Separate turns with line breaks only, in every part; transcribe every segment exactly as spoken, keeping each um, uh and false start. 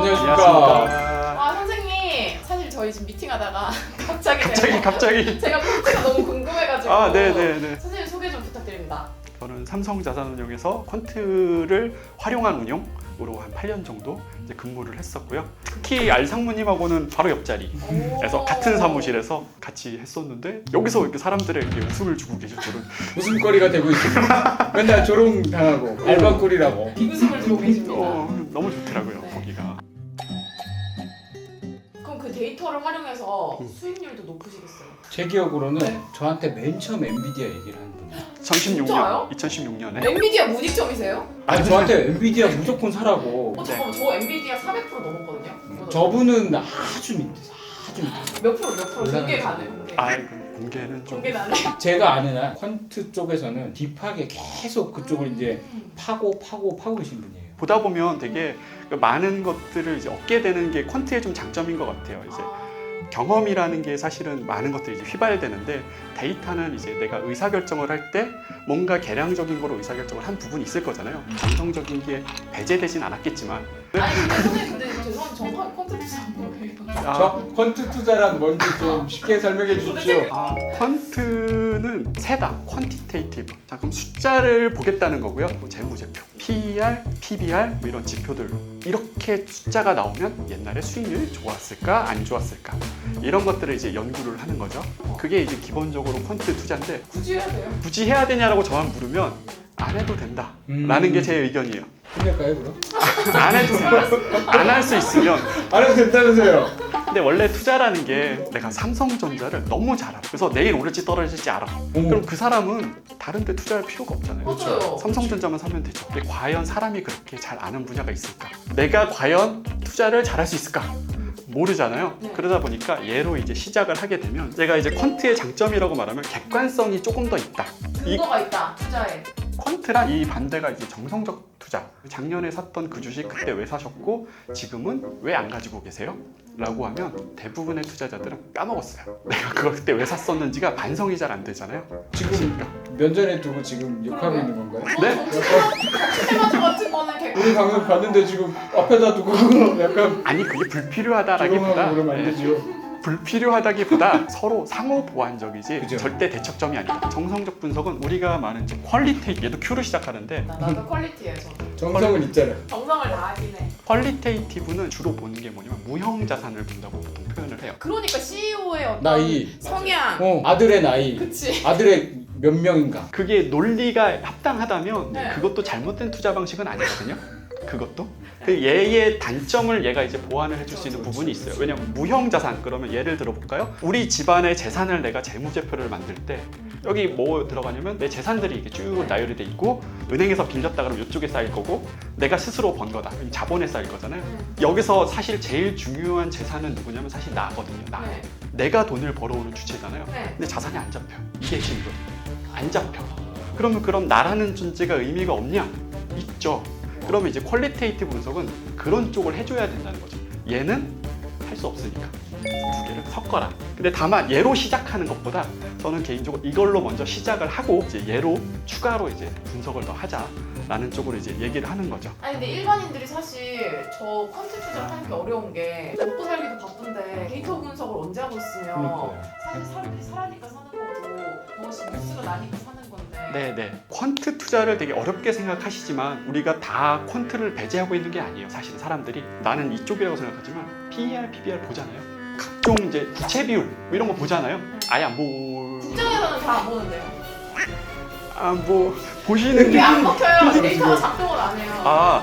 안녕하십니까.
아 선생님, 사실 저희 지금 미팅하다가 갑자기
갑자기
내가,
갑자기.
제가 폰트가 너무 궁금해가지고
아, 네네네.
선생님 소개 좀 부탁드립니다.
저는 삼성자산운용에서 퀀트를 활용한 운용으로 한 팔 년 정도 이제 근무를 했었고요. 특히 알상무님하고는 바로 옆자리에서
오.
같은 사무실에서 같이 했었는데 여기서 이렇게 사람들에게 웃음을 주고 계실 줄은.
웃음거리가 되고 있습니다. 맨날 조롱 당하고 알바꿀이라고.
비웃음을 주고 계십니다.
어, 너무 좋더라고요,
네.
거기가.
그럼 그 데이터를 활용해서
음.
수익률도 높으시겠어요?
제 기억으로는
네.
저한테 맨 처음 엔비디아 얘기를 한 분.
이천십육 년,
진짜요?
이천십육 년에
엔비디아 문익점이세요?
아니 저한테 엔비디아 무조건 사라고.
어 잠깐만, 저 엔비디아 사백 퍼센트 넘었거든요.
저분은 아주 밑에 아주 밑에.
몇 프로 몇 프로 공개
올라가는
가능 공개.
아, 공개는 좀.
공개 가능.
제가 아는 한 퀀트 쪽에서는 딥하게 계속 그쪽을 이제 파고 파고 파고 계신 분이에요.
보다 보면 되게 그 많은 것들을 이제 얻게 되는 게 퀀트의 좀 장점인 것 같아요. 이제 경험이라는 게 사실은 많은 것들이 이제 휘발되는데 데이터는 이제 내가 의사결정을 할 때 뭔가 계량적인 거로 의사결정을 한 부분이 있을 거잖아요. 감성적인 게 배제되진 않았겠지만.
아니 근데 선생님, 근데 죄송한데 정확하게 콘텐츠 안 뭐예요?
아,
저 퀀트 투자란 뭔지 좀 쉽게 설명해 주십시오.
아, 퀀트는 세다, 퀀티테이티브. 자, 그럼 숫자를 보겠다는 거고요. 뭐 재무제표, 피이알, 피비알 뭐 이런 지표들. 이렇게 숫자가 나오면 옛날에 수익률이 좋았을까, 안 좋았을까 이런 것들을 이제 연구를 하는 거죠. 그게 이제 기본적으로 퀀트 투자인데
굳이 해야 돼요?
굳이 해야 되냐라고 저만 물으면 안 해도 된다.
음.
라는 게 제 의견이에요.
끝낼까요 그럼?
안 해도 안 할 수 있으면.
안 해도 된다면서요.
근데 원래 투자라는 게 내가 삼성전자를 너무 잘 알아. 그래서 내일 오를지 떨어질지 알아. 그럼 그 사람은 다른 데 투자할 필요가 없잖아요.
맞아요.
삼성전자만 사면 되죠. 근데 과연 사람이 그렇게 잘 아는 분야가 있을까? 내가 과연 투자를 잘할 수 있을까? 모르잖아요.
네.
그러다 보니까 얘로 이제 시작을 하게 되면 제가 이제 퀀트의 장점이라고 말하면 객관성이 조금 더 있다. 이
근거가 있다 투자에.
퀀트랑 이 반대가 이제 정성적 투자. 작년에 샀던 그 주식 그때 왜 사셨고 지금은 왜 안 가지고 계세요? 라고 하면 대부분의 투자자들은 까먹었어요. 내가 그걸 그때 왜 샀었는지가 반성이 잘 안 되잖아요.
지금 면전에 두고 지금 욕하고
그러게.
있는 건가요?
네?
테마주 같은 거는
우리
객관.
방금 봤는데 지금 앞에다 두고 약간
아니 그게
조롱하고
불필요하다라기보다
그러면 안
네,
되죠.
불필요하다기보다 서로 상호 보완적이지
그죠.
절대 대척점이 아니다. 정성적 분석은 우리가 말하는 이제 퀄리테이 얘도 Q로 시작하는데
나, 나도 퀄리티예요 저는.
정성은 있잖아요.
정성을 다하긴 해.
퀄리테이티브는 주로 보는 게 뭐냐면 무형 자산을 본다고 보통 표현을 해요.
그러니까 씨이오의 어떤
나이.
성향.
어, 아들의 나이,
그치.
아들의 몇 명인가.
그게 논리가 합당하다면
네.
그것도 잘못된 투자 방식은 아니거든요. 그것도 그 얘의 단점을 얘가 이제 보완을 해줄 수 있는 부분이 있어요. 왜냐면 무형 자산 그러면 예를 들어 볼까요? 우리 집안의 재산을 내가 재무제표를 만들 때 여기 뭐 들어가냐면 내 재산들이 이렇게 쭉 나열이 돼 있고 은행에서 빌렸다 그러면 이쪽에 쌓일 거고 내가 스스로 번 거다 그럼 자본에 쌓일 거잖아요. 여기서 사실 제일 중요한 재산은 누구냐면 사실 나거든요. 나.
네.
내가 돈을 벌어오는 주체잖아요.
네.
근데 자산이 안 잡혀. 이게 핵심이거든요. 안 잡혀. 그러면 그럼 나라는 존재가 의미가 없냐? 있죠. 그러면 이제 퀄리테이티브 분석은 그런 쪽을 해줘야 된다는 거죠. 얘는 할 수 없으니까 두 개를 섞어라. 근데 다만 얘로 시작하는 것보다 저는 개인적으로 이걸로 먼저 시작을 하고 이제 얘로 추가로 이제 분석을 더 하자라는 쪽으로 이제 얘기를 하는 거죠.
아니 근데 일반인들이 사실 저 콘텐츠 투자를 하는 게 어려운 게 먹고 살기도 바쁜데 데이터 분석을 언제 하고 있으면
그러니까요.
사실 사람들이 사라니까 사는 거고 무엇이 뉴스가 나니까 사는 건데.
네네. 퀀트 투자를 되게 어렵게 생각하시지만 우리가 다 퀀트를 배제하고 있는 게 아니에요. 사실은 사람들이 나는 이쪽이라고 생각하지만 피이알, 피비알 보잖아요. 각종 이제 부채 비율 뭐 이런 거 보잖아요. 아예 안 보...
국정에서는 잘 안 보는데요.
아 뭐 보시는
이게
게
안 먹혀요. 데이터가 작동을 안 해요.
아.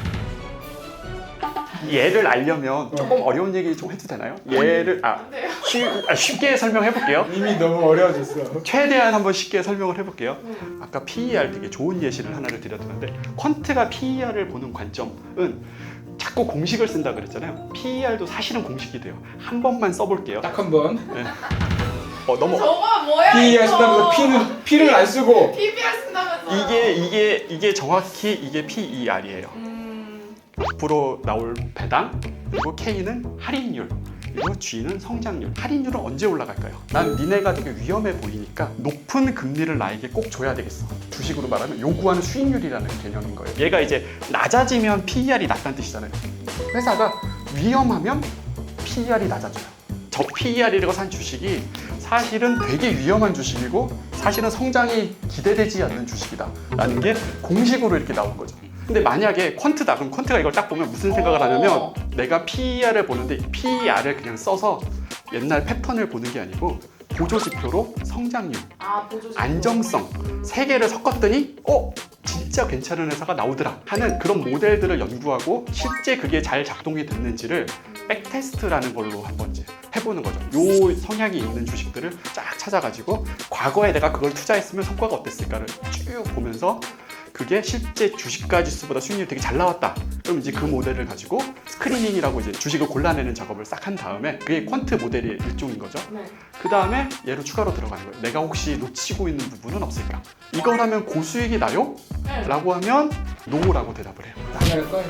네.
얘를 알려면 조금 어려운 얘기 좀 해도 되나요? 얘를 아,
안 돼요.
쉬, 아 쉽게 설명해 볼게요.
이미 너무 어려워졌어.
최대한 한번 쉽게 설명을 해볼게요.
음.
아까 피이알 되게 좋은 예시를 하나를 드렸는데 퀀트가 피이알을 보는 관점은 자꾸 공식을 쓴다 그랬잖아요. 피이알도 사실은 공식이 돼요. 한 번만 써볼게요.
딱 한 번.
네. 어 너무
저거 뭐야
P
이거.
하신다면서 P는 P를 안 쓰고.
피비알 쓴다면서.
이게 이게 이게 정확히 이게 피이알이에요.
음.
앞으로 나올 배당 그리고 K는 할인율 그리고 G는 성장률. 할인율은 언제 올라갈까요? 난 니네가 되게 위험해 보이니까 높은 금리를 나에게 꼭 줘야 되겠어. 주식으로 말하면 요구하는 수익률이라는 개념인 거예요. 얘가 이제 낮아지면 피이알이 낮다는 뜻이잖아요. 회사가 위험하면 피이알이 낮아져요. 저 피이알이라고 산 주식이 사실은 되게 위험한 주식이고 사실은 성장이 기대되지 않는 주식이다라는 게 공식으로 이렇게 나온 거죠. 근데 만약에 퀀트다 그럼 퀀트가 이걸 딱 보면 무슨 생각을 하냐면
어.
내가 피이알을 보는데 피이알을 그냥 써서 옛날 패턴을 보는 게 아니고 보조지표로 성장률,
아, 보조지.
안정성 세 개를 섞었더니 어? 진짜 괜찮은 회사가 나오더라 하는 그런 모델들을 연구하고 실제 그게 잘 작동이 됐는지를 백테스트라는 걸로 한번 이제 해보는 거죠. 요 성향이 있는 주식들을 쫙 찾아가지고 과거에 내가 그걸 투자했으면 성과가 어땠을까를 쭉 보면서 그게 실제 주식가 지수보다 수익률이 되게 잘 나왔다. 그럼 이제 그 모델을 가지고 스크리닝이라고 이제 주식을 골라내는 작업을 싹 한 다음에 그게 퀀트 모델의 일종인 거죠.
네.
그 다음에 얘로 추가로 들어가는 거예요. 내가 혹시 놓치고 있는 부분은 없을까? 이걸 하면 고수익이 나요?
네.
라고 하면 노라고 대답을 해요.
하나를 꺼요.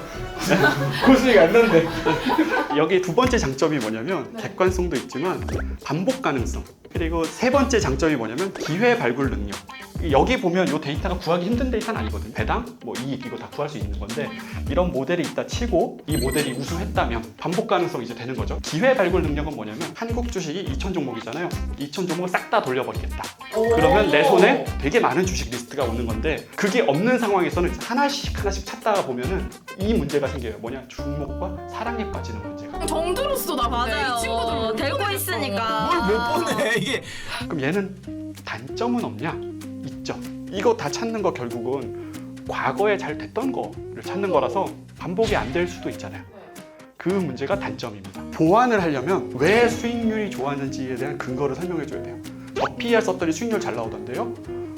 고수익 안 난대.
여기 두 번째 장점이 뭐냐면
네.
객관성도 있지만 반복 가능성. 그리고 세 번째 장점이 뭐냐면 기회 발굴 능력. 여기 보면 이 데이터가 구하기 힘든 데이터는 아니거든요. 배당, 뭐 이익 이거 다 구할 수 있는 건데 이런 모델이 있다 치고 이 모델이 우수했다면 반복 가능성이 이제 되는 거죠. 기회 발굴 능력은 뭐냐면 한국 주식이 이천 종목이잖아요. 이천 종목을 싹 다 돌려버리겠다.
오.
그러면 내 손에 되게 많은 주식 리스트가 오는 건데 그게 없는 상황에서는 하나씩 하나씩 찾다가 보면은 이 문제가 생겨요. 뭐냐? 주목과 사랑에 빠지는 문제가.
정들었어 나
맞아요.
이 친구들 못
되고
보냈어.
있으니까.
뭘 못 보내 이게.
그럼 얘는 단점은 없냐? 있죠. 이거 다 찾는 거 결국은 과거에 잘 됐던 거를 찾는 거라서 반복이 안 될 수도 있잖아요.
네.
그 문제가 단점입니다. 보완을 하려면 왜 수익률이 좋았는지에 대한 근거를 설명해 줘야 돼요. 저 피이알 썼더니 수익률 잘 나오던데요?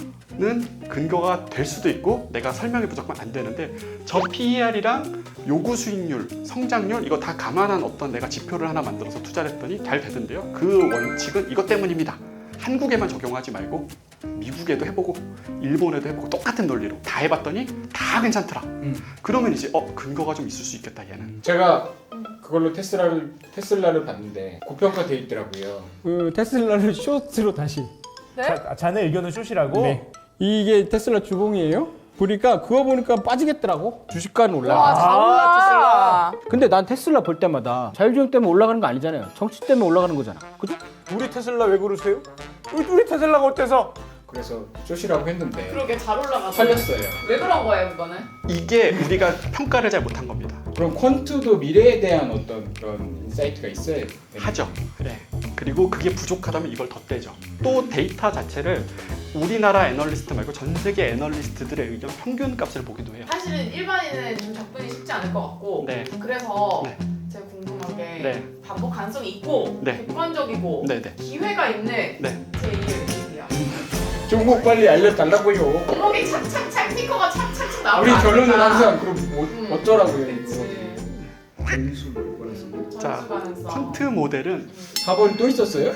는 근거가 될 수도 있고 내가 설명이 무조건 안 되는데 저 피이알이랑 요구 수익률, 성장률 이거 다 감안한 어떤 내가 지표를 하나 만들어서 투자를 했더니 잘 되던데요. 그 원칙은 이것 때문입니다. 한국에만 적용하지 말고 미국에도 해보고 일본에도 해보고 똑같은 논리로 다 해봤더니 다 괜찮더라.
음.
그러면 이제 어 근거가 좀 있을 수 있겠다 얘는.
제가 그걸로 테슬라를 테슬라를 봤는데 고평가 돼 있더라고요.
그 테슬라를 쇼트로 다시.
네?
자, 자네 의견은 쇼시라고?
네. 이게 테슬라 주봉이에요. 보니까 그거 보니까 빠지겠더라고. 주식가는
와,
올라가.
잘 올라.
근데 난 테슬라 볼 때마다 자율주행 때문에 올라가는 거 아니잖아요. 정치 때문에 올라가는 거잖아. 그죠?
우리 테슬라 왜 그러세요? 우리, 우리 테슬라가 어때서?
그래서 쇼시라고 했는데
그러게 잘 올라가서.
팔렸어요.
왜 그런 거예요, 그거는?
이게 우리가 평가를 잘 못한 겁니다.
그럼 퀀트도 미래에 대한 어떤 그런 인사이트가 있어야 되는
하죠. 그래. 그리고 그게 부족하다면 이걸 덧대죠. 또 데이터 자체를 우리나라 애널리스트 말고 전 세계 애널리스트들의 의견 평균 값을 보기도 해요.
사실은 일반인은 좀 접근이 쉽지 않을 것 같고
네.
그래서
네.
제가 궁금한 게
네.
반복 가능성이 있고
네.
객관적이고
네네.
기회가 있는
네.
제이의 의견이야.
종목 빨리 알려달라고요.
종목이 착착착 스티커가 착착착 나오고
우리 결론은 항상 그럼 뭐,
음.
어쩌라고요?
그치.
전수 뭐라서.
자,
전수 가능성.
퀀트 모델은
사 번 또 있었어요?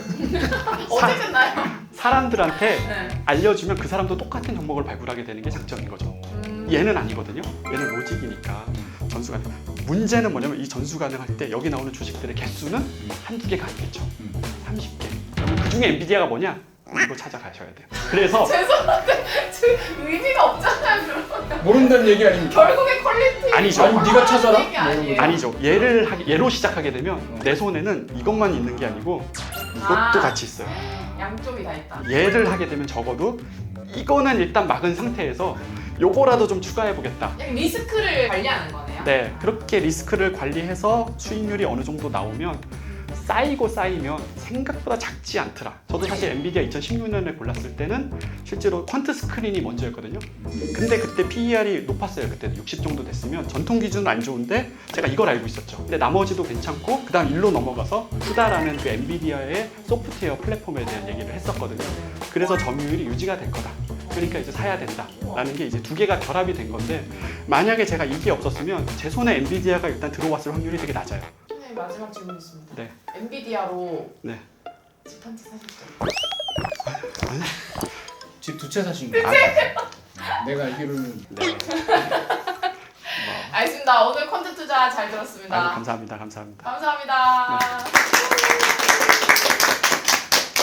어제 끝나요?
사람들한테
네.
알려주면 그 사람도 똑같은 종목을 발굴하게 되는 게 장점인 거죠.
음.
얘는 아니거든요. 얘는 로직이니까 전수 가능. 문제는 뭐냐면 이 전수 가능할 때 여기 나오는 주식들의 개수는 한두 개가 아니겠죠.
음.
삼십 개. 그럼 그 중에 엔비디아가 뭐냐? 이거 찾아가셔야 돼요. 그래서
죄송한데 지금 의미가 없잖아요. 그러면
모른다는 얘기 아닙니까?
결국에 퀄리티
아니죠.
아니, 네가 찾아라?
얘기 아니에요.
아니죠. 얘를 하기, 얘로 시작하게 되면 내 손에는 이것만 있는 게 아니고 이것도
아.
같이 있어요.
양쪽이 다 있다.
얘를 하게 되면 적어도 이거는 일단 막은 상태에서 요거라도 좀 추가해 보겠다.
그냥 리스크를 관리하는 거네요.
네, 그렇게 리스크를 관리해서 수익률이 어느 정도 나오면 쌓이고 쌓이면 생각보다 작지 않더라. 저도 사실 엔비디아 이천십육 년에 골랐을 때는 실제로 퀀트 스크린이 먼저였거든요. 근데 그때 피이알이 높았어요. 그때 육십 정도 됐으면 전통 기준은 안 좋은데 제가 이걸 알고 있었죠. 근데 나머지도 괜찮고 그 다음 일로 넘어가서 후다라는 그 엔비디아의 소프트웨어 플랫폼에 대한 얘기를 했었거든요. 그래서 점유율이 유지가 될 거다. 그러니까 이제 사야 된다라는 게 이제 두 개가 결합이 된 건데 만약에 제가 이게 없었으면 제 손에 엔비디아가 일단 들어왔을 확률이 되게 낮아요.
네, 마지막 질문 있습니다.
네.
엔비디아로
네.
집 한 채 사셨죠?
집 두 채 사신 거예요? 내가 알기로는
네.
알겠습니다. 오늘 콘텐츠 투자 잘 들었습니다.
아유, 감사합니다. 감사합니다.
감사합니다.